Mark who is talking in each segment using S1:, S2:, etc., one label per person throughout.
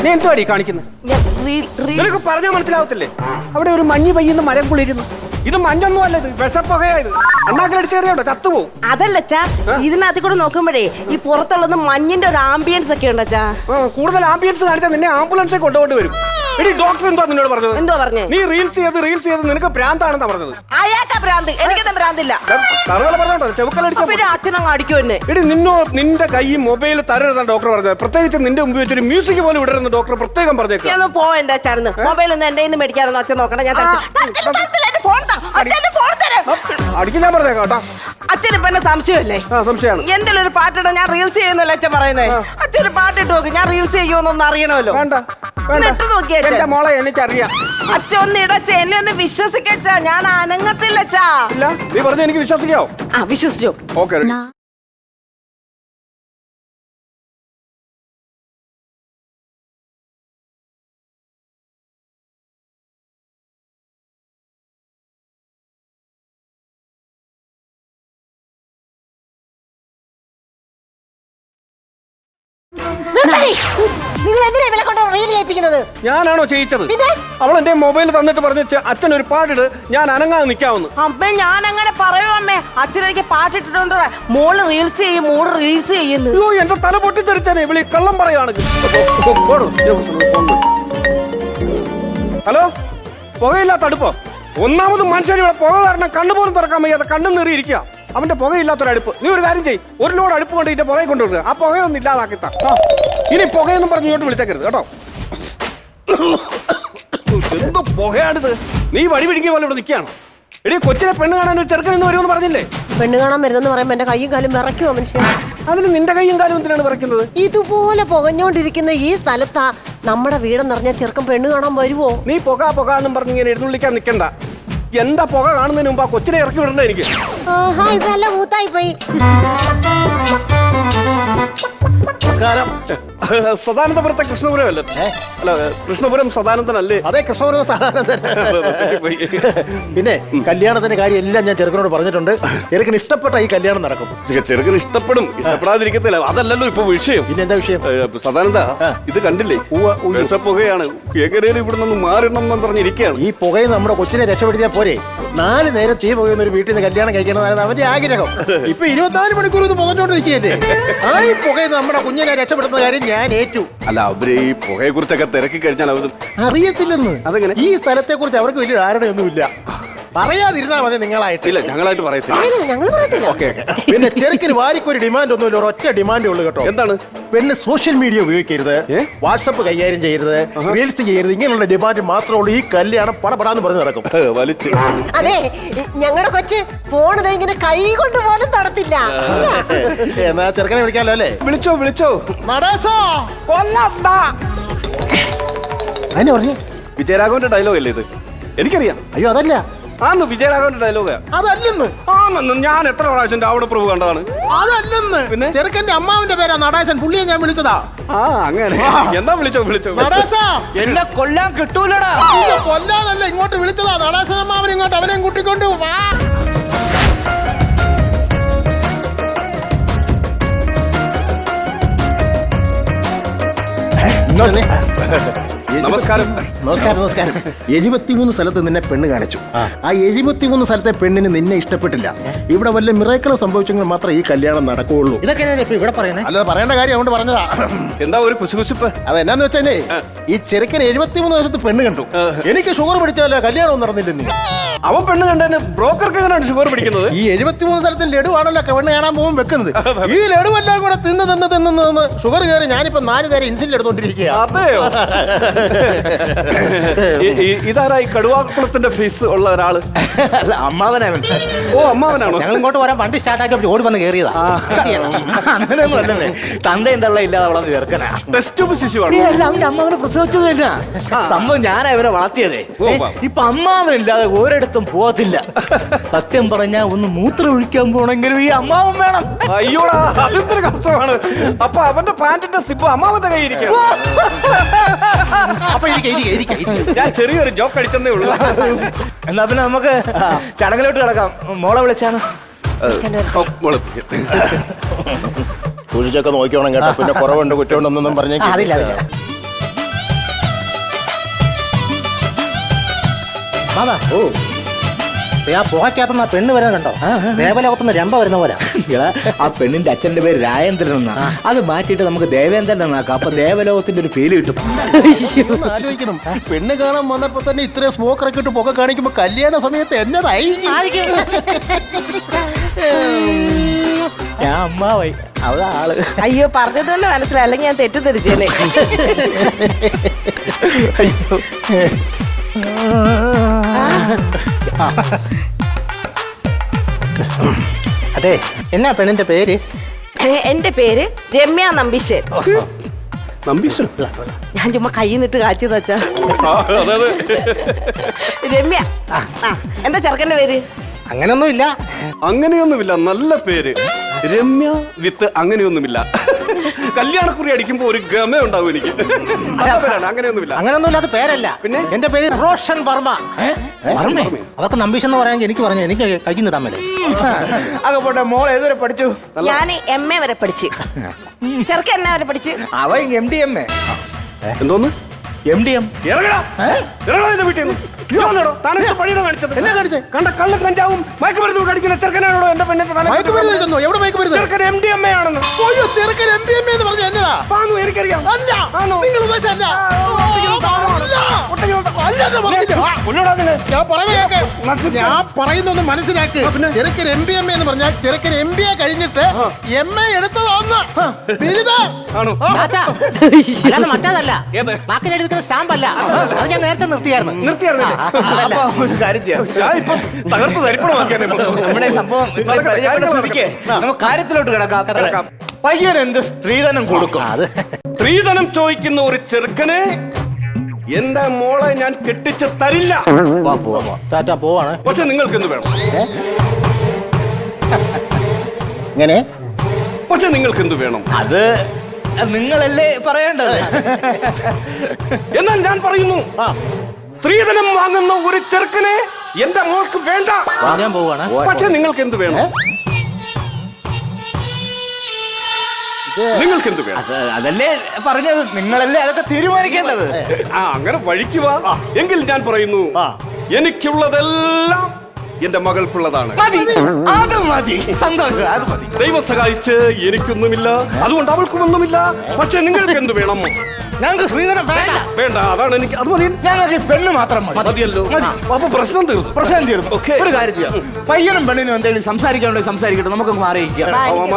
S1: നീ എന്തുവാടി കാണിക്കുന്നത്? നിനക്ക് പറഞ്ഞാൽ മനസ്സിലാവത്തില്ലേ? അവിടെ ഒരു മഞ്ഞ് പെയ്യുന്ന മരം കുളിരുന്നു. ഇത് മഞ്ഞൊന്നും അല്ല, ഇത് വിഷപ്പുകയായത്. അണ്ണാക്കടിച്ചേറിയോട്ടോ, ചത്തുപോകും.
S2: അതല്ല അച്ഛാ, ഇതിനകത്ത് കൂടെ നോക്കുമ്പോഴേ ഈ പുറത്തുള്ളത് മഞ്ഞിന്റെ ഒരു ആംബിയൻസ് ഒക്കെ ഉണ്ട് അച്ഛാ.
S1: കൂടുതൽ ആംബിയൻസ് കാണിച്ചാൽ നിന്നെ ആംബുലൻസിൽ കൊണ്ടുകൊണ്ട് വരും. എടി ഡോക്ടർ എന്തോ നിന്നോട് പറഞ്ഞത്?
S2: എന്തോ പറഞ്ഞേ?
S1: നീ റീൽസ് ചെയ്ത് നിനക്ക് ഭ്രാന്താണെന്നാ പറഞ്ഞത്.
S2: അയാൾക്കാ ഭ്രാന്ത്, എനിക്കത് ഭ്രാന്തില്ല.
S1: പറഞ്ഞോട്ടോ, ചെവുക്കലടിച്ച
S2: അച്ഛനങ്ങ് അടിക്കും എന്നെ.
S1: എടി നിന്റെ കൈ മൊബൈൽ തരരുതെന്നാണ് ഡോക്ടർ പറഞ്ഞത്. പ്രത്യേകിച്ച് നിന്റെ മുമ്പ് വെച്ചൊരു മ്യൂസിക് പോലും വിടരുന്നു ഡോക്ടർ പ്രത്യേകം പറഞ്ഞേക്കും.
S2: ഞാൻ പോ എന്റെ അച്ഛാന്ന്. മൊബൈൽ ഒന്നും എന്റെ നിന്ന് മേടിക്കാറൊന്നും അച്ഛൻ നോക്കണം. ഞാൻ
S1: അടിക്കാൻ പറഞ്ഞേക്കാം കേട്ടോ.
S2: അച്ഛനിപ്പോ എന്നെ സംശയമല്ലേ?
S1: സംശയമാണ്.
S2: എന്തെങ്കിലും ഒരു പാട്ടിട, ഞാൻ റീൽസ് ചെയ്യുന്നല്ലേ അച്ഛൻ പറയുന്നേ. അച്ഛൻ ഒരു പാട്ടിട്ട് നോക്ക്, ഞാൻ റീൽസ് ചെയ്യുമെന്നൊന്ന് അറിയണമല്ലോ. ഇട്ട് നോക്കിയാ
S1: മോളെ, എനിക്കറിയാം.
S2: അച്ഛൻ ഒന്ന് ഇടച്ച, എന്നെ ഒന്ന് വിശ്വസിക്കച്ചാ. ഞാൻ അനങ്ങത്തില്ല അച്ഛാ.
S1: നീ പറഞ്ഞ എനിക്ക് വിശ്വസിക്കാവോ?
S2: വിശ്വസിച്ചു.
S1: ഓക്കെ.
S2: നിങ്ങൾ എന്തിനാ ഇവളെ കൊണ്ട് റീൽ ചെയ്യിപ്പിക്കുന്നത്?
S1: ഞാനാണോ ചെയ്യിച്ചത്? അവൾ എന്റെ മൊബൈൽ തന്നിട്ട് പറഞ്ഞു അച്ഛൻ ഒരു പാട്ടിട്, ഞാൻ അനങ്ങാതെ നിൽക്കാവുന്നു.
S2: അമ്മേ, ഞാൻ അങ്ങനെ പറയൂ അമ്മേ. അച്ഛനെനിക്ക് പാട്ടിട്ടിട്ടുണ്ട്. മോള് റീൽസ് ചെയ്യും, മോള് റീൽസ് ചെയ്യുന്നു.
S1: അയ്യോ, എന്റെ തല പൊട്ടിത്തെറിച്ചാനെ വിളി കള്ളം പറയുകയാണെങ്കിൽ. ഹലോ, പുകയില്ലാത്ത അടുപ്പോ? ഒന്നാമത് മനുഷ്യൻ ഇവിടെ പുക കാരണം കണ്ണുപോലും തുറക്കാൻ വയ്യാതെ കണ്ണു നേറിയിരിക്കുക. അവന്റെ പുകയില്ലാത്തൊരടുപ്പ്. നീ ഒരു കാര്യം ചെയ്യ്, ഒരു ലോഡ് അടുപ്പ് കൊണ്ട് ഇതിന്റെ പുറകെ കൊണ്ടുവരിക. ആ പുകയൊന്നും ഇല്ലാതാക്കിത്താ. ഇനി പുകയൊന്നും പറഞ്ഞ് ഇങ്ങോട്ട് വിളിച്ചേക്കരുത് കേട്ടോ. എന്തോ പുകയാണിത്? നീ വഴി പിടിക്കുക പോലെ ഇവിടെ നിൽക്കുകയാണ്. എടി, കൊച്ചിനെ പെണ്ണ് കാണാൻ ഒരു ചെറുക്കൻ എന്ന് വരുമെന്ന് പറഞ്ഞില്ലേ?
S2: പെണ്ണ് കാണാൻ വരുന്നെന്ന് പറയുമ്പോ എന്റെ കൈയും കാലും വിറയ്ക്കുമോ മനുഷ്യൻ?
S1: അതിന് നിന്റെ കൈയും കാലും എന്തിനാണ് വിറയ്ക്കുന്നത്?
S2: ഇതുപോലെ പുകഞ്ഞോണ്ടിരിക്കുന്ന ഈ സ്ഥലത്താ നമ്മുടെ വീടെന്ന് പറഞ്ഞാൽ ചെറുക്കൻ പെണ്ണ് കാണാൻ വരുവോ?
S1: നീ പുക എന്നും പറഞ്ഞ് ഇങ്ങനെ എഴുന്നള്ളിക്കാൻ നിൽക്കണ്ട. എന്താ പുക കാണുന്നതിന് മുമ്പ് ആ കൊച്ചിനെ ഇറക്കി വിടണ്ട എനിക്ക്.
S2: ഇത് നല്ല മൂത്തായി പോയി.
S3: നമസ്കാരം.
S1: സദാനന്ദപുരത്തെ കൃഷ്ണപുരം അല്ലേ? അല്ല, കൃഷ്ണപുരം സദാനന്ദനല്ലേ?
S3: അതെ, കൃഷ്ണപുരം സദാനന്ദൻ. പിന്നെ കല്യാണത്തിന്റെ കാര്യം എല്ലാം ഞാൻ ചെറുക്കനോട് പറഞ്ഞിട്ടുണ്ട്. ചെറുക്കന് ഇഷ്ടപ്പെട്ട ഈ കല്യാണം നടക്കും.
S1: ചെറുക്കന് ഇഷ്ടപ്പെടും, ഇഷ്ടപ്പെടാതിരിക്കത്തില്ല. അതല്ലല്ലോ ഇപ്പൊ വിഷയം.
S3: പിന്നെ എന്താ വിഷയം?
S1: സദാനന്ദ, ഇത് കണ്ടില്ലേ? പുകയാണ്. എങ്ങനെയും ഇവിടെ നിന്ന് മാറണം എന്ന് പറഞ്ഞിരിക്കുകയാണ്.
S3: ഈ പുകയിൽ നമ്മുടെ കൊച്ചിനെ രക്ഷപ്പെടുത്തിയാൽ പോരെ? 4 നേരം തീ പുകയുന്ന ഒരു വീട്ടിൽ നിന്ന് കല്യാണം കഴിക്കണമെന്നാണ് അവന്റെ ആഗ്രഹം. ഇപ്പൊ 24 മണിക്കൂർ ഇത് പുകഞ്ഞോണ്ടിരിക്കുകയല്ലേ? ആ ഈ പുകയിൽ നമ്മുടെ കുഞ്ഞിനെ രക്ഷപ്പെടുത്തുന്ന കാര്യം ഞാൻ ഏറ്റു.
S1: അല്ല, അവര് ഈ പുകയെ കുറിച്ചൊക്കെ തിരക്കി കഴിഞ്ഞാൽ അവർ
S3: അറിയത്തില്ലെന്ന്.
S1: അതെങ്ങനെ?
S3: ഈ സ്ഥലത്തെ കുറിച്ച് അവർക്ക് വലിയ ധാരണയൊന്നുമില്ല. പറയാതിരുന്നാ മതി. നിങ്ങളായിട്ട്
S1: ഇല്ല, ഞങ്ങളായിട്ട് പറയത്തില്ല.
S3: ഓക്കെ. പിന്നെ ചെറുക്കിന് വാരിക്കൊരു ഡിമാൻഡ് ഒന്നുമില്ല. ഒരൊറ്റ ഡിമാൻഡേ ഉള്ളൂ കേട്ടോ.
S1: എന്താണ്?
S3: പെണ്ണ് സോഷ്യൽ മീഡിയ ഉപയോഗിക്കരുത്, വാട്സപ്പ് കൈകാര്യം ചെയ്യരുത്, റീൽസ് ചെയ്യരുത്. ഇങ്ങനെയുള്ള ഡിമാൻഡ് മാത്രമേ ഉള്ളൂ. ഈ കല്യാണം പടപടാന്ന് പറഞ്ഞ് നടക്കും.
S1: വലിച്ച്
S2: അതെ, ഞങ്ങളുടെ കൊച്ച് ഫോൺ ഇങ്ങനെ കൈ കൊണ്ട് പോലും തടത്തില്ല.
S3: എന്നാ ചെറുക്കനെ വിളിക്കാമല്ലോ അല്ലേ?
S1: വിളിച്ചോ.
S3: നടേശോ കൊല്ലണ്ട. അതിനെ പറഞ്ഞു
S1: വിജയരാഘവന്റെ ഡയലോഗ് അല്ലേ ഇത്? എനിക്കറിയാം.
S3: അയ്യോ, അതല്ല.
S1: വിജയരാഘവന്റെ ഡയലോഗ്
S3: അതല്ലെന്ന്.
S1: ഞാൻ എത്ര പ്രാവശ്യം രാവണ പ്രഭു കണ്ടതാണ്.
S3: അതല്ലെന്ന്. പിന്നെ ചെറുക്കന്റെ അമ്മാവിന്റെ പേരാ നടേശൻ. പുള്ളിയെ ഞാൻ വിളിച്ചതാ.
S1: അങ്ങനെ എന്നാ വിളിച്ചോ.
S3: നടേശാ,
S4: എന്നെ കൊല്ലാൻ കിട്ടൂലടാ.
S3: കൊല്ലാതല്ല, ഇങ്ങോട്ട് വിളിച്ചതാ. നടേശൻ അമ്മാവൻ ഇങ്ങോട്ട് അവനെയും കൂട്ടിക്കൊണ്ടു വാ.
S1: നമസ്കാരം.
S3: 73 സ്ഥലത്ത് നിന്നെ പെണ്ണ് കാണിച്ചു. ആ 73 സ്ഥലത്തെ പെണ്ണിന് നിന്നെ ഇഷ്ടപ്പെട്ടില്ല. ഇവിടെ വല്ല മിറേക്കിൾ സംഭവിച്ചെങ്കിൽ മാത്രമേ ഈ കല്യാണം നടക്കുകയുള്ളൂ.
S4: ഇതൊക്കെ ഇവിടെ പറയുന്നത്
S3: അല്ലാതെ പറയേണ്ട കാര്യം അതുകൊണ്ട് പറഞ്ഞതാ.
S1: എന്താ ഒരു കുശുകുശുപ്പ്?
S3: അതെന്നാന്ന് വെച്ചാലേ, ഈ ചെറുക്കന് 73 സ്ഥലത്ത് പെണ്ണ് കണ്ടു. എനിക്ക് ഷുഗർ പിടിച്ചാലോ കല്യാണം നടന്നില്ലെന്ന്.
S1: അവൻ പെണ്ണ് കണ്ടതിന് ബ്രോക്കർക്ക് എങ്ങനെയാണ് ഷുഗർ പിടിക്കുന്നത്?
S3: ഈ 73 സ്ഥലത്തിൽ ലഡു ആണല്ലോ പെണ്ണ് കാണാൻ പോകുമ്പോൾ വെക്കുന്നത്. ഈ ലഡുവെല്ലാം കൂടെ തിന്ന് ഷുഗർ കയറി ഞാനിപ്പോ 4 നേരം ഇൻസുലിൻ എടുത്തോണ്ടിരിക്കുക.
S1: അതെയോ? ഇതാരായി കടുവാക്കുളത്തിന്റെ ഫീസ് ഉള്ള ഒരാള്?
S4: അമ്മാവനാണ്.
S1: ഓ, അമ്മാവനാണോ?
S4: ഞങ്ങൾ ഇങ്ങോട്ട് വരാൻ വണ്ടി സ്റ്റാർട്ടാക്കി ഓടി വന്ന് കയറിയതാ. അങ്ങനെയൊന്നും അല്ലേ, തന്തയും തള്ള ഇല്ലാതെ വളർന്ന് ചേർക്കനാ.
S1: ടെസ്റ്റ് ശിശുവാണ്.
S4: അവന്റെ അമ്മാവനെ പ്രസവിച്ചത് തന്നെ സംഭവം. ഞാനാ ഇവരെ വളർത്തിയതേ. ഇപ്പൊ അമ്മാവനില്ലാതെ ഒരിടത്തും പോകത്തില്ല. സത്യം പറഞ്ഞാ ഒന്ന് മൂത്രം ഒഴിക്കാൻ പോണെങ്കിലും ഈ അമ്മാവൻ വേണം.
S1: അയ്യോടാ, അതെന്തൊരു കഷ്ടമാണ്. അപ്പൊ അവന്റെ പാന്റിന്റെ സിബ് അമ്മാവന്റെ കൈ ഇരിക്കണം.
S3: അപ്പൊ
S1: ഞാൻ ചെറിയൊരു ജോക്ക് അടിച്ചെന്നേ ഉള്ളൂ.
S4: എന്നാ പിന്നെ നമുക്ക് ചടങ്ങിലോട്ട് കിടക്കാം. മോളെ വിളിച്ചാണ്.
S3: കുഴിച്ചൊക്കെ നോക്കിയോണം കേട്ടോ. പിന്നെ കുറവുണ്ട് കുറ്റമുണ്ടെന്നൊന്നും പറഞ്ഞേക്കില്ല. മാതാ ഓ ആ പുകയ്ക്കകത്തുനിന്ന് ആ പെണ്ണ് വരുന്നത് കണ്ടോ ദേവലോകത്തുനിന്ന് രമ്പ വരുന്ന പോലെ
S4: ആ പെണ്ണിന്റെ അച്ഛന്റെ പേര് രാജേന്ദ്രൻ എന്നാ. അത് മാറ്റിയിട്ട് നമുക്ക് ദേവേന്ദ്രൻ എന്നാക്കാം. അപ്പൊ ദേവലോകത്തിന്റെ ഒരു ഫീല് കിട്ടും.
S3: ആലോചിക്കണം പെണ്ണ് കാണാൻ വന്നപ്പോ തന്നെ ഇത്രയും സ്മോക്കറൊക്കെ ഇട്ട് പുക കാണിക്കുമ്പോ കല്യാണ സമയത്ത് എന്നതായി
S4: ഞാൻ അമ്മാവായി അവിടെ ആള്.
S2: അയ്യോ പറഞ്ഞത് തന്നെ മനസ്സിലായി, അല്ലെങ്കിൽ ഞാൻ തെറ്റിദ്ധരിച്ചേനെ.
S3: അതെ എന്നാ പെണ്ണിന്റെ പേര്?
S2: എന്റെ പേര് രമ്യ നമ്പീശൻ.
S1: നമ്പീശൻ?
S2: ഞാൻ ചുമ്മാ കൈ നിട്ട് കാച്ചത് വെച്ചാ. രമ്യ. എന്താ ചെറുക്കന്റെ പേര്?
S3: അങ്ങനൊന്നുമില്ല.
S1: അങ്ങനെയൊന്നുമില്ല, നല്ല പേര് രമ്യ വിത്ത് അങ്ങനെയൊന്നുമില്ല. കല്യാണക്കുറി അടിക്കുമ്പോ ഒരു ഗമ ഉണ്ടാവും എനിക്ക്. അങ്ങനെയൊന്നുമില്ല.
S3: അങ്ങനെയൊന്നുമില്ലാത്ത പേരല്ല. പിന്നെ എന്റെ പേര് റോഷൻ വർമ്മ. അവർക്ക് നമ്പീശൻ എന്ന് പറയാൻ എനിക്ക് പറഞ്ഞു, എനിക്ക് കഴിക്കുന്നിടാൻ മേലെ.
S4: അതൊക്കെ പോട്ടെ, മോൾ ഏതുവരെ പഠിച്ചു?
S2: ഞാൻ MA വരെ പഠിച്ചു. ചെറുക്കൻ എന്നാ വരെ പഠിച്ചു?
S4: അവ MDMA.
S1: എന്തോന്ന്?
S4: MDM.
S1: എന്നെ കാണിച്ചേ കണ്ട കള്ളും കഞ്ചാവും മയക്കുമരുന്ന് കടിക്കുന്ന ചെറുക്കനാണോ എന്റെ പെണ്ണിന്റെ തല?
S3: എവിടെ മയക്കുമരുന്ന്?
S1: ചെറുക്കൻ MDMA ആണെന്ന്.
S3: ചെറുക്കൻ MDMA എന്ന് പറഞ്ഞ എന്നതാ?
S1: എനിക്കറിയാം.
S3: നിങ്ങൾ ഉദ്ദേശമല്ല. ഞാൻ പറയുന്നൊന്ന് മനസ്സിലാക്ക്. ചെറുക്കൻ MDMA എന്ന് പറഞ്ഞാൽ ചെറുക്കൻ MBA കഴിഞ്ഞിട്ട് MA എടുത്തതാന്ന്. മറ്റേതല്ല, ബാക്കി എടുക്കുന്ന സ്റ്റാമ്പല്ല. അത് ഞാൻ നേരത്തെ നിർത്തിയായിരുന്നു.
S4: അപ്പൊ ഒരു കാര്യം ചെയ്യാം. നമ്മുടെ സംഭവം പരിചയപ്പെട്ട സ്ഥിതിക്ക് നമുക്ക് കാര്യത്തിലോട്ട് കിടക്കാം. പയ്യൻ എന്ത് സ്ത്രീധനം കൊടുക്കും?
S1: സ്ത്രീധനം ചോദിക്കുന്ന ഒരു ചെറുക്കന് എന്റെ മോളെ ഞാൻ കെട്ടിച്ച് തരില്ല.
S3: പോവാണ്.
S1: പക്ഷെ നിങ്ങൾക്ക് എന്ത് വേണം?
S3: ഇങ്ങനെ
S1: പക്ഷെ നിങ്ങൾക്ക് എന്ത് വേണം?
S4: അത് നിങ്ങളല്ലേ പറയേണ്ടത്.
S1: എന്നാൽ ഞാൻ പറയുന്നു, സ്ത്രീധനം വാങ്ങുന്ന ഒരു ചെറുക്കനെ എന്റെ മോൾക്ക് വേണ്ട.
S3: ഞാൻ പോവാണ്.
S1: പക്ഷെ നിങ്ങൾക്ക് എന്ത് വേണം? നിങ്ങൾക്ക് എന്ത് വേണം?
S4: അതല്ലേ പറഞ്ഞത്, നിങ്ങളല്ലേ അതൊക്കെ തീരുമാനിക്കേണ്ടത്.
S1: അങ്ങനെ വഴിക്കുക. എങ്കിൽ ഞാൻ പറയുന്നു, എനിക്കുള്ളതെല്ലാം എന്റെ മകൾക്കുള്ളതാണ്.
S4: അത് മതി, സന്തോഷം, അത് മതി.
S1: ദൈവം സഹായിച്ച് എനിക്കൊന്നുമില്ല, അതുകൊണ്ട് അവൾക്കും ഒന്നുമില്ല. പക്ഷെ നിങ്ങൾക്ക് എന്ത് വേണം?
S3: ഞങ്ങൾക്ക് സ്ത്രീധനം വേണ്ട.
S1: വേണ്ട, അതാണ് എനിക്ക്. അത് മതി.
S4: ഞങ്ങൾക്ക് പെണ്ണ് മാത്രം
S1: മതിയല്ലോ. അപ്പൊ പ്രശ്നം തീർന്നു.
S4: ഒരു കാര്യം ചെയ്യാം, പയ്യനും പെണ്ണിനും എന്തെങ്കിലും സംസാരിക്കാനുണ്ടെങ്കിൽ സംസാരിക്കട്ടെ, നമുക്കൊന്ന് മാറിയിരിക്കാം.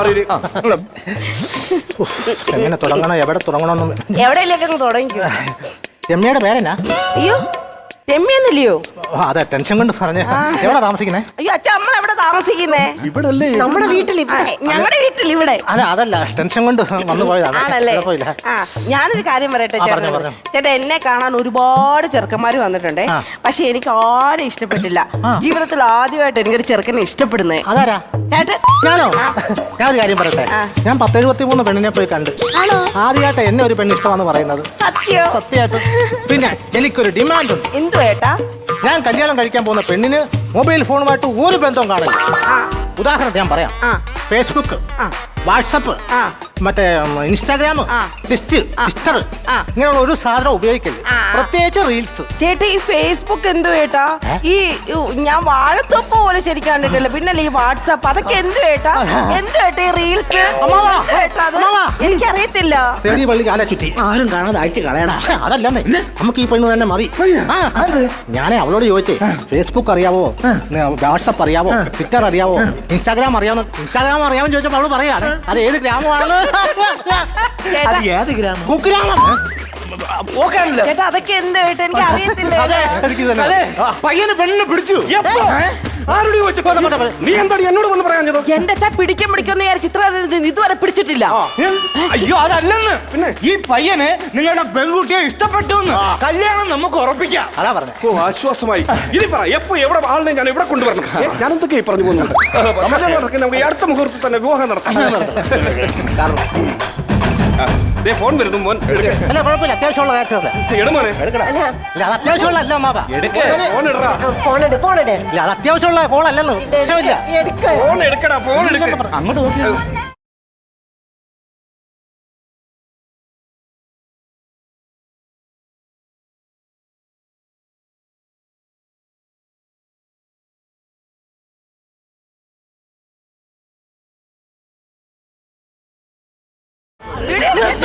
S3: എങ്ങനെ തുടങ്ങണം, എവിടെ തുടങ്ങണമെന്ന്
S2: എവിടെയിലേക്കൊന്ന് തുടങ്ങിക്കോ.
S3: രമ്യയുടെ പേരെന്നാ?
S2: അയ്യോ രമ്യന്നല്ലയോ?
S3: അതെ, ടെൻഷൻ കൊണ്ട് പറഞ്ഞ. എവിടെ താമസിക്കുന്നേ?
S2: അയ്യോ അച്ഛ, അമ്മ എവിടെ താമസിക്കുന്നേ?
S1: ഇവിടെ
S2: നമ്മുടെ വീട്ടിൽ ഇവിടെ, ഞങ്ങളുടെ വീട്ടിൽ ഇവിടെ.
S3: അതല്ല, ടെൻഷൻ കൊണ്ട് വന്നു പോയതാണ്.
S2: ആണല്ലേ? ഞാനൊരു കാര്യം പറയട്ടെ ചേട്ടാ. ചേട്ടാ, എന്നെ കാണാൻ ഒരുപാട് ചെറുക്കന്മാര് വന്നിട്ടുണ്ട്. പക്ഷെ എനിക്ക് ആരും ഇഷ്ടപ്പെട്ടില്ല. ജീവിതത്തിൽ ആദ്യമായിട്ട് എനിക്കൊരു ചെറുക്കനെ ഇഷ്ടപ്പെടുന്നേ.
S3: അതാരാ?
S2: ചേട്ടൻ.
S3: ഞാനോ? ഞാൻ ഒരു കാര്യം പറയട്ടെ. ഞാൻ 1073 പെണ്ണിനെ പോയി കണ്ട്. ആദ്യമായിട്ട് എന്നെ ഒരു പെണ്ണ് ഇഷ്ടമാണെന്ന് പറയുന്നത്.
S2: സത്യോ?
S3: സത്യമായിട്ട്. പിന്നെ എനിക്കൊരു ഡിമാൻഡ് ഉണ്ട്.
S2: എന്തു ഏട്ടാ?
S3: ഞാൻ കല്യാണം കഴിക്കാൻ പോകുന്ന പെണ്ണിന് മൊബൈൽ ഫോണുമായിട്ട് ഒരു ബന്ധവും കാണില്ല. ഉദാഹരണം ഞാൻ പറയാം. ഫേസ്ബുക്ക്, വാട്സപ്പ്, മറ്റേ ഇൻസ്റ്റാഗ്രാം, ട്വിറ്റർ, ഇങ്ങനെയുള്ള ഒരു സാധനം ഉപയോഗിക്കില്ല. പ്രത്യേകിച്ച് റീൽസ്.
S2: ചേട്ടാ, ഈ ഫേസ്ബുക്ക് എന്തു ഏട്ടാ? ഈ ഞാൻ വാഴത്തോപ്പ് പോലെ ശരിക്കും കണ്ടിട്ടില്ല. പിന്നല്ലേ ഈ വാട്സാപ്പ്, അതൊക്കെ എന്തു ഏട്ടാ? എന്തു ഏട്ടാ ഈ റീൽസ്? എനിക്കറിയത്തില്ല.
S3: തേടി പള്ളി കാല ചുറ്റി ആരും കാണാതെ അയച്ചു കളയണം. അതല്ലെന്നേ, നമുക്ക് ഈ പെണ്ണ് തന്നെ മതി. ഞാനേ അവളോട് ചോദിച്ചേ, ഫേസ്ബുക്ക് അറിയാവോ, വാട്സപ്പ് അറിയാവോ, ട്വിറ്റർ അറിയാവോ, ഇൻസ്റ്റാഗ്രാം അറിയാവോ ചോദിച്ചപ്പോ അവള് പറയാണ് അത് ഏത് ഗ്രാമമാണെന്ന്.
S4: ഏത് ഗ്രാമം?
S3: കുഗ്രാമം.
S2: ചേട്ടാ, അതൊക്കെ എന്ത് ഏട്ടാ? എനിക്ക് അറിയത്തില്ല.
S4: പയ്യന് പെണ്ണിനെ പിടിച്ചു.
S1: നീ എന്താണ് എന്നോട് വന്ന് പറയാൻ?
S2: എന്റെ അച്ഛാ, പിടിക്കുമെന്ന് വിചാരിച്ച് ഇത്ര ഇതുവരെ പിടിച്ചിട്ടില്ല.
S4: അയ്യോ, അതല്ലെന്ന്. പിന്നെ ഈ പയ്യന് നിങ്ങളുടെ പെൺകുട്ടിയെ ഇഷ്ടപ്പെട്ടു. കല്യാണം നമുക്ക് ഉറപ്പിക്കാം.
S3: അതാ പറഞ്ഞ.
S1: ഓ, ആശ്വാസമായി. ഇനി പറ, എപ്പോ എവിടെ ആളിനെ ഞാൻ ഇവിടെ കൊണ്ടുവരണം? ഞാൻ എന്തൊക്കെയായി പറഞ്ഞു പോകുന്നുണ്ട്. നമുക്ക് അടുത്ത മുഹൂർത്തത്തിൽ തന്നെ വിവാഹം നടത്താം. ഫോൺ വരുന്നു മോൻ.
S3: അല്ല, കുഴപ്പമില്ല, അത്യാവശ്യമുള്ള കാര്യമല്ല.
S1: എടുമോനെ,
S3: അത് അത്യാവശ്യമുള്ള അല്ല അമ്മാവ.
S1: ഫോൺ
S3: അത് അത്യാവശ്യമുള്ള ഫോണല്ലല്ലോ.
S1: ഫോൺ എടുക്കടാ, ഫോൺ എടുക്ക.
S3: അങ്ങോട്ട് നോക്കി.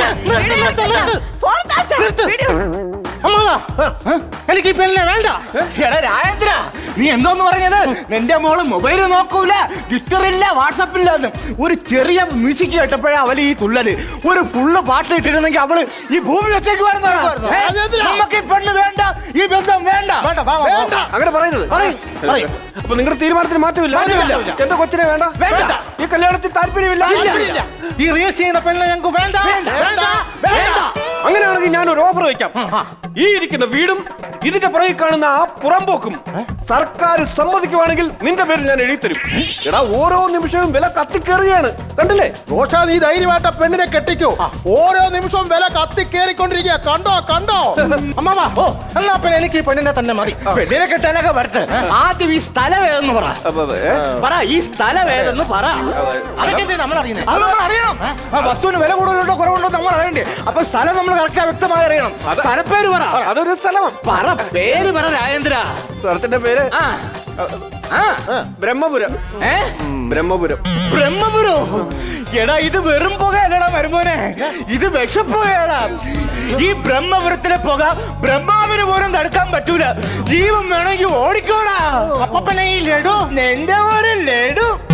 S2: ഫോൺ താ, വീഡിയോ.
S3: എനിക്ക് ഈ പെണ്ണിനെ വേണ്ട.
S4: എടാ രാജേന്ദ്ര, നീ എന്തോന്ന് പറഞ്ഞത്? നിന്റെ മോള് മൊബൈൽ നോക്കൂല, ട്വിറ്റർ ഇല്ല, വാട്സപ്പ് ഇല്ല എന്ന്. ഒരു ചെറിയ മ്യൂസിക് കേട്ടപ്പോഴേ അവള് ഈ തുള്ളല്. ഒരു ഫുള്ള് പാട്ട് ഇട്ടിരുന്നെങ്കിൽ അവള് ഈ ഭൂമി വെച്ചേക്ക് നമുക്ക് ഈ പെണ്ണ് വേണ്ട, ഈ ബന്ധം വേണ്ട.
S1: അങ്ങനെ പറയുന്നത് അപ്പൊ നിങ്ങളുടെ തീരുമാനത്തിന് മാറ്റമില്ല. എന്റെ കൊച്ചിനെ വേണ്ട, ഈ കല്യാണത്തിൽ താല്പര്യമില്ല.
S3: ഈ റീൽസ് ചെയ്യുന്ന പെണ്ണിനെ ഞങ്ങൾക്ക് വേണ്ട.
S1: അങ്ങനെയാണെങ്കിൽ ഞാൻ ഒരു ഓഫർ വയ്ക്കാം. ഈ ഇരിക്കുന്ന വീടും ഇതിന്റെ പുറകിൽ കാണുന്ന ആ പുറമ്പോക്കും സർക്കാർ സമ്മതിക്കുവാണെങ്കിൽ നിന്റെ പേരിൽ ഞാൻ എഴുതി തരും. എടാ, ഓരോ നിമിഷവും വില കത്തിക്കേറുകയാണ്, കണ്ടില്ലേ?
S5: റോഷാ, നീ ധൈര്യമായിട്ട് പെണ്ണിനെ കെട്ടിക്കോ. ഓരോ നിമിഷവും വില കത്തിക്കേറിക്കൊണ്ടിരിക്കുക. കണ്ടോ?
S3: അമ്മാവാ, എന്നാ പിന്നെ എനിക്ക് ഈ പെണ്ണിനെ തന്നെ മതി.
S4: പെണ്ണിനെ കെട്ടാനൊക്കെ വരട്ടെ. ആദ്യം ഈ സ്ഥലം ഏതെന്ന് പറ. ഈ സ്ഥലം ഏതെന്ന് പറ.
S3: അതൊക്കെ നമ്മൾ അറിയുന്നത്.
S4: അത് നമ്മൾ അറിയണം. വസ്തുവിന് വില കൂടുതലുണ്ടോ കുറവുണ്ടോ നമ്മൾ അറിയണ്ടേ? അപ്പൊ സ്ഥലം നമ്മൾ കറക്റ്റ് വ്യക്തമായി അറിയണം. സ്ഥലപ്പേര് പറ.
S1: അതൊരു സ്ഥലം.
S4: പറ, പേര് പറ രാജേന്ദ്ര.
S1: സ്ഥലത്തിന്റെ പേര് ബ്രഹ്മപുരം. ബ്രഹ്മപുരം.
S4: ബ്രഹ്മപുരോ? എടാ, ഇത് വെറും പുകയല്ലടാ വരുമ്പോനെ, ഇത് വിഷപ്പുകയാടാ. ഈ ബ്രഹ്മപുരത്തിലെ പുക ബ്രഹ്മാവിന് പോലും തടുക്കാൻ പറ്റൂല. ജീവൻ വേണമെങ്കിൽ ഓടിക്കോടാ.
S3: അപ്പൊ പിന്നെ ഈ ലഡു
S4: നിന്റെ ഒരു ലഡു